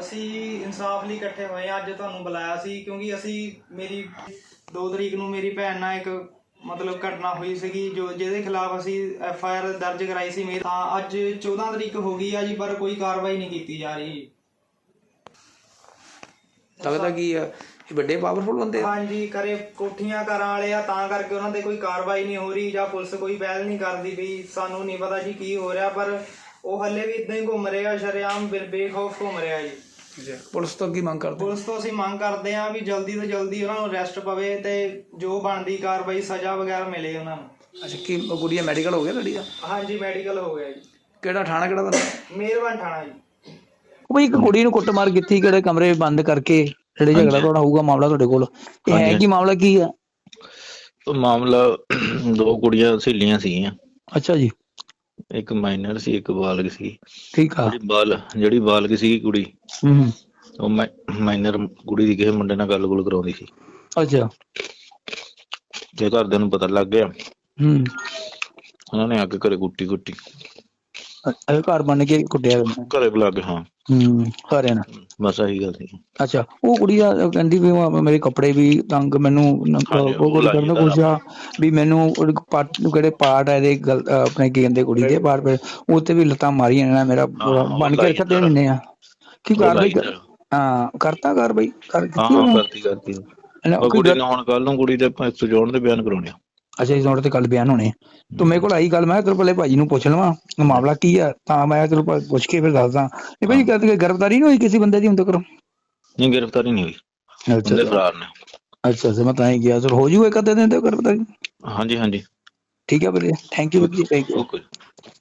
ਅਸੀਂ ਇਨਸਾਫ ਲਈ ਇਕੱਠੇ ਹੋਏ ਹਾਂ। ਅੱਜ ਤੁਹਾਨੂੰ ਬੁਲਾਇਆ ਸੀ ਕਿਉਂਕਿ ਮੇਰੀ 2 ਤਰੀਕ ਨੂੰ ਮੇਰੀ ਭੈਣ ਨਾਲ ਇੱਕ ਮਤਲਬ ਘਟਨਾ ਹੋਈ ਸੀਗੀ ਜਿਹਦੇ ਖਿਲਾਫ ਅਸੀਂ FIR ਦਰਜ ਕਰਾਈ ਸੀ। ਤਾਂ ਅੱਜ 14 ਤਰੀਕ ਹੋ ਗਈ ਆ ਜੀ, ਪਰ ਕੋਈ ਕਾਰਵਾਈ ਨਹੀਂ ਕੀਤੀ ਜਾ ਰਹੀ। ਲੱਗਦਾ ਕੀ ਆ ਇਹ ਵੱਡੇ ਪਾਵਰਫੁਲ ਬੰਦੇ ਆ? ਹਾਂਜੀ, ਕਰੇ ਕੋਠੀਆਂ ਘਰਾਂ ਵਾਲੇ ਆ, ਤਾਂ ਕਰਕੇ ਉਹਨਾਂ ਤੇ ਕੋਈ ਕਾਰਵਾਈ ਨਹੀਂ ਹੋ ਰਹੀ ਜਾਂ ਪੁਲਿਸ ਕੋਈ ਪਹਿਲ ਨਹੀਂ ਕਰਦੀ ਪਈ। ਸਾਨੂੰ ਨਹੀਂ ਪਤਾ ਜੀ ਕੀ ਹੋ ਰਿਹਾ, ਪਰ ਉਹ ਹੱਲੇ ਵੀ ਇਦਾਂ ਹੀ ਘੁੰਮ ਰਿਹਾ, ਸ਼ਰੇਆਮ ਬੇਖੌਫ ਘੁੰਮ ਰਿਹਾ ਜੀ। ਪੁਲਿਸ ਤੋਂ ਕੀ ਮੰਗ ਕਰਦੇ? ਪੁਲਿਸ ਤੋਂ ਅਸੀਂ ਮੰਗ ਕਰਦੇ ਹਾਂ ਵੀ ਜਲਦੀ ਤੋਂ ਜਲਦੀ ਉਹਨਾਂ ਨੂੰ ਅਰੈਸਟ ਪਵੇ ਤੇ ਜੋ ਬਣਦੀ ਕਾਰਵਾਈ ਸਜ਼ਾ ਵਗੈਰਾ ਮਿਲੇ ਉਹਨਾਂ ਨੂੰ। ਅੱਛਾ, ਕੀ ਗੁੜੀਆ ਮੈਡੀਕਲ ਹੋ ਗਿਆ ਲੜੀ ਦਾ? ਹਾਂਜੀ, ਮੈਡੀਕਲ ਹੋ ਗਿਆ ਜੀ। ਕਿਹੜਾ ਥਾਣਾ ਕਿਹੜਾ ਬੰਦਾ? ਮਿਹਰਬਾਨ ਥਾਣਾ ਜੀ। ਬਈ ਇੱਕ ਕੁੜੀ ਨੂੰ ਕੁੱਟਮਾਰ ਕੀਤੀ, ਕਿਹੜੇ ਕਮਰੇ ਬੰਦ ਕਰਕੇ ਜਿਹੜੇ ਝਗੜਾ ਤੁਹਾਡਾ ਹੋਊਗਾ ਮਾਮਲਾ ਤੁਹਾਡੇ ਕੋਲ, ਇਹ ਹੈ ਕੀ ਮਾਮਲਾ ਕੀ ਆ? ਮਾਮਲਾ 2 ਕੁੜੀਆਂ ਸਹੇਲੀਆਂ ਸੀਗੀਆਂ। ਅੱਛਾ ਜੀ, ਇੱਕ ਮਾਈਨਰ ਸੀ, ਇੱਕ ਬਾਲਗ ਸੀ। ਠੀਕ ਆ। ਜਿਹੜੀ ਬਾਲਗ ਸੀ ਕੁੜੀ, ਉਹ ਮਾਈਨਰ ਕੁੜੀ ਦੀ ਕਿਸੇ ਮੁੰਡੇ ਨਾਲ ਗੱਲ ਕਰਾਉਂਦੀ ਸੀ। ਅੱਛਾ, ਜੇ ਘਰਦਿਆਂ ਨੂੰ ਪਤਾ ਲੱਗ ਗਿਆ, ਉਹਨਾਂ ਨੇ ਆ ਕੇ ਘਰੇ ਕੁੱਟੀ ਘਰ ਬਣ ਕੇ ਕੁੱਟਿਆ ਘਰੇ ਬੁਲਾ ਕੇ। ਹਾਂ, ਸਾਰਿਆਂ ਨੇ। ਬਸ ਆਹੀ ਗੱਲ ਸੀ। ਅੱਛਾ, ਉਹ ਕੁੜੀ ਦਾ ਕਹਿੰਦੀ ਵੀ ਮੇਰੇ ਕੱਪੜੇ ਵੀ ਤੰਗ, ਮੈਨੂੰ ਉਹ ਕੁਝ ਕਰਨ ਪੁੱਛਿਆ ਵੀ ਮੈਨੂੰ ਕਿਹੜੇ ਪਾਰਟ ਆ ਇਹਦੇ ਆਪਣੇ ਕੀ ਕਹਿੰਦੇ ਕੁੜੀ ਦੇ ਪਾਰਟ ਉੱਤੇ ਵੀ ਲੱਤਾਂ ਮਾਰੀਆਂ ਨੇ, ਮੇਰਾ ਬਣ ਕੇ ਰੱਖ 3 ਮਹੀਨੇ ਆ। ਕੀ ਕਾਰਵਾਈ? ਹਾਂ, ਕਰਤਾ ਕਾਰਵਾਈ? ਕਰਤੀ। ਕੁੜੀ ਨੂੰ ਹੁਣ ਕੱਲ ਨੂੰ ਕੁੜੀ ਦੇ 104 ਦੇ ਬਿਆਨ ਕਰਾਉਣੇ ਆ। ਅੱਛਾ, ਇਸ ਨੋਟ ਤੇ ਕੱਲ ਬਿਆਨ ਹੋਣੇ। ਤੂੰ ਮੇਰੇ ਕੋਲ ਆਈ ਗੱਲ, ਮੈਂ ਤੇਰੇ ਪਹਿਲੇ ਭਾਜੀ ਨੂੰ ਪੁੱਛ ਲਵਾਂ ਮਾਮਲਾ ਕੀ ਆ, ਤਾਂ ਮੈਂ ਤੈਨੂੰ ਪੁੱਛ ਕੇ ਫਿਰ ਦੱਸਦਾ। ਇਹ ਭਾਜੀ ਕਹਿੰਦੇ ਗ੍ਰਿਫਤਾਰੀ ਨਹੀਂ ਹੋਈ ਕਿਸੇ ਬੰਦੇ ਦੀ ਹੁਣ ਤੱਕ? ਨਹੀਂ, ਗ੍ਰਿਫਤਾਰੀ ਨਹੀਂ ਹੋਈ। ਬੰਦੇ ਫਰਾਰ ਨੇ। ਅੱਛਾ, ਮੈਂ ਤਾਂ ਹੀ ਗਿਆ। ਚਲ ਹੋ ਜੂ ਇੱਕ ਅੱਧੇ ਦਿਨ ਤੇ ਗ੍ਰਿਫਤਾਰੀ। ਹਾਂਜੀ, ਠੀਕ ਹੈ ਵੀਰੇ, ਥੈਂਕ ਯੂ ਵੀਰ ਜੀ, ਥੈਂਕ ਯੂ। ਓਕੇ।